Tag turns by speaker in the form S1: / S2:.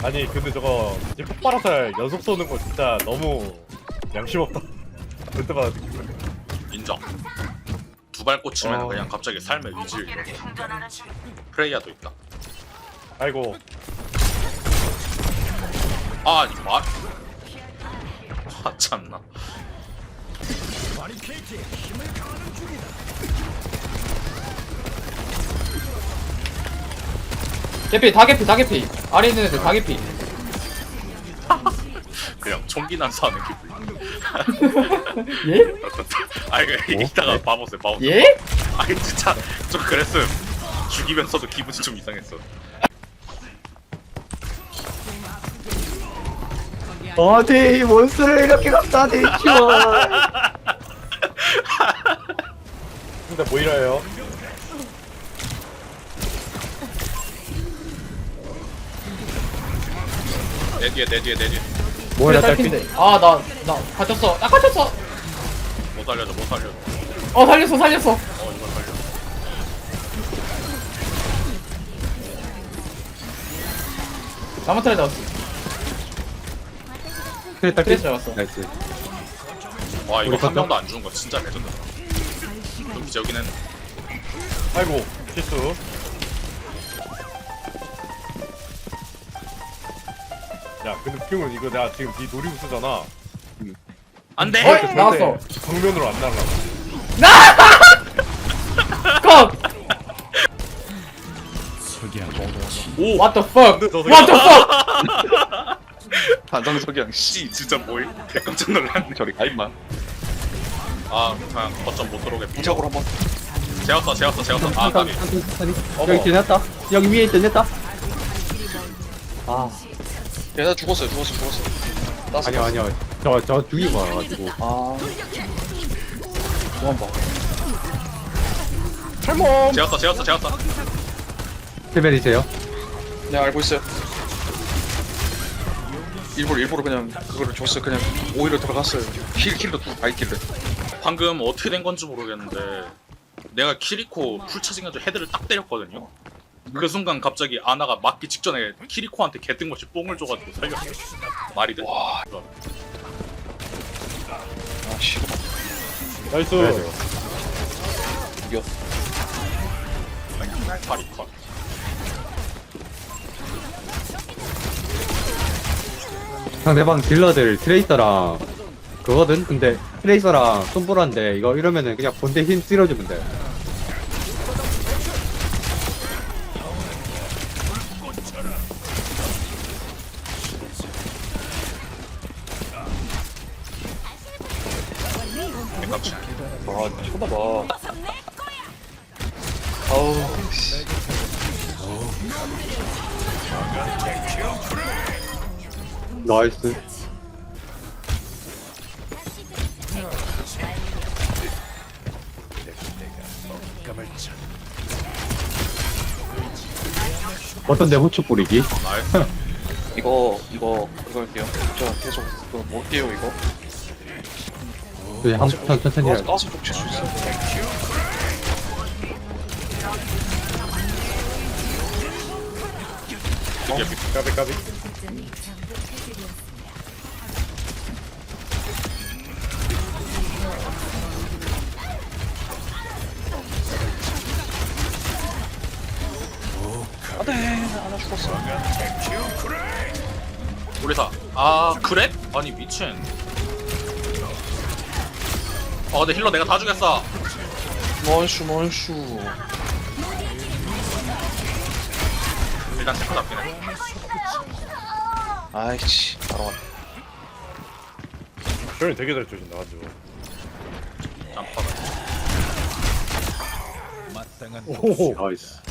S1: 아니 근데 저거 이제 폭발화살 연속 쏘는 거 진짜 너무 양심 없다. 볼 때마다 느끼고.
S2: 인정. 두 발 꽂히면
S1: 어.
S2: 그냥 갑자기 삶의 의지를 잃어. 프레이야도 있다.
S1: 아이고
S2: 아 이거 말. 아 참나.
S3: 개피 다 개피 다 개피. 아래 있는 애들 다 개피.
S2: 그냥 총기 난사하는 기분.
S3: 예?
S2: 아 이거 이따가 봐보세요. 봐보세요.
S3: 예?
S2: 아니 진짜 좀 그랬음. 죽이면서도 기분이 좀 이상했어.
S4: 어디 몬스터를 이렇게 갖다 대죠.
S1: 근데 뭐 이래요?
S2: 내 뒤에 내 뒤에 내 뒤에.
S4: 뭐야 나
S3: 딸핀데. 아나 갇혔어. 나 갇혔어.
S2: 못 살려줘 못 살려줘.
S3: 살렸어 살렸어.
S2: 이거 살려.
S3: 나만 트레 잡았어.
S4: 그래 딱
S3: 트레 잡았어.
S4: 나이스.
S2: 와 이거
S4: 우리
S2: 한
S4: 컸다.
S2: 명도 안 죽은 거 진짜 레전드다. 좀 기적이긴 했네.
S1: 아이고 실수. 야 근데 웃긴 이거 내가 지금 네 놀이고 쓰잖아.
S2: 안돼.
S3: 어이! 나왔어.
S1: 정면으로 안 날라.
S3: 컷.
S2: 오.
S3: What the fuck?
S1: 근데 저
S3: What the fuck?
S4: 반성석이랑 씨
S2: 진짜 뭐임? 깜짝 놀랐네.
S4: 저리 가 임마.
S2: 아 그냥 거점 못 들어오게 비켜.
S4: 무적으로 한번.
S2: 재웠어. 아 까비.
S4: 여기 지냈다. 여기 위에 지냈다. 아
S5: 얘나 죽었어요. 땄어.
S4: 아니야 저 죽이고 와가지고.
S5: 아. 그만 봐.
S1: 탈모.
S2: 재웠어.
S4: 세벨이세요?
S5: 네 알고 있어요. 일부러 그냥 그거를 줬어요. 그냥 오히려 들어갔어요. 킬도 두 바이킬을.
S2: 방금 어떻게 된 건지 모르겠는데 내가 키리코 풀 차징해서 헤드를 딱 때렸거든요. 그 순간 갑자기 아나가 맞기 직전에 키리코한테 개뜬것이 뽕을 줘가지고 살렸어. 말이 돼?
S5: 와. 아 싫어.
S1: 나이스.
S5: 이겨.
S2: 파리컷.
S4: 상대방 딜러들 트레이서랑 그거든. 근데 트레이서랑 손보라인데 이거 이러면은 그냥 본대 힘 쓸어주면 돼.
S2: 깜짝.
S5: 아 쳐다봐. 아우 씨.
S4: 나이스. 어떤데 후추 뿌리기?
S2: 나이스.
S5: 이거 그거 할게요. 저 계속 그거 못게요 이거.
S4: 그냥 천천히 해.
S5: 가서 좀 칠 수 있어.
S1: 까비.
S5: 안돼 하나 죽었어.
S2: 우리사. 아 그래? 아니 미친. 근데 힐러 내가 다 죽였어.
S5: 먼슈.
S2: 일단 체크 잡긴 해.
S5: 아이씨 바로 왔네.
S1: 저는 되게 잘 쳐준다 가지고.
S2: 짬파다.
S1: 오.
S4: 나이스.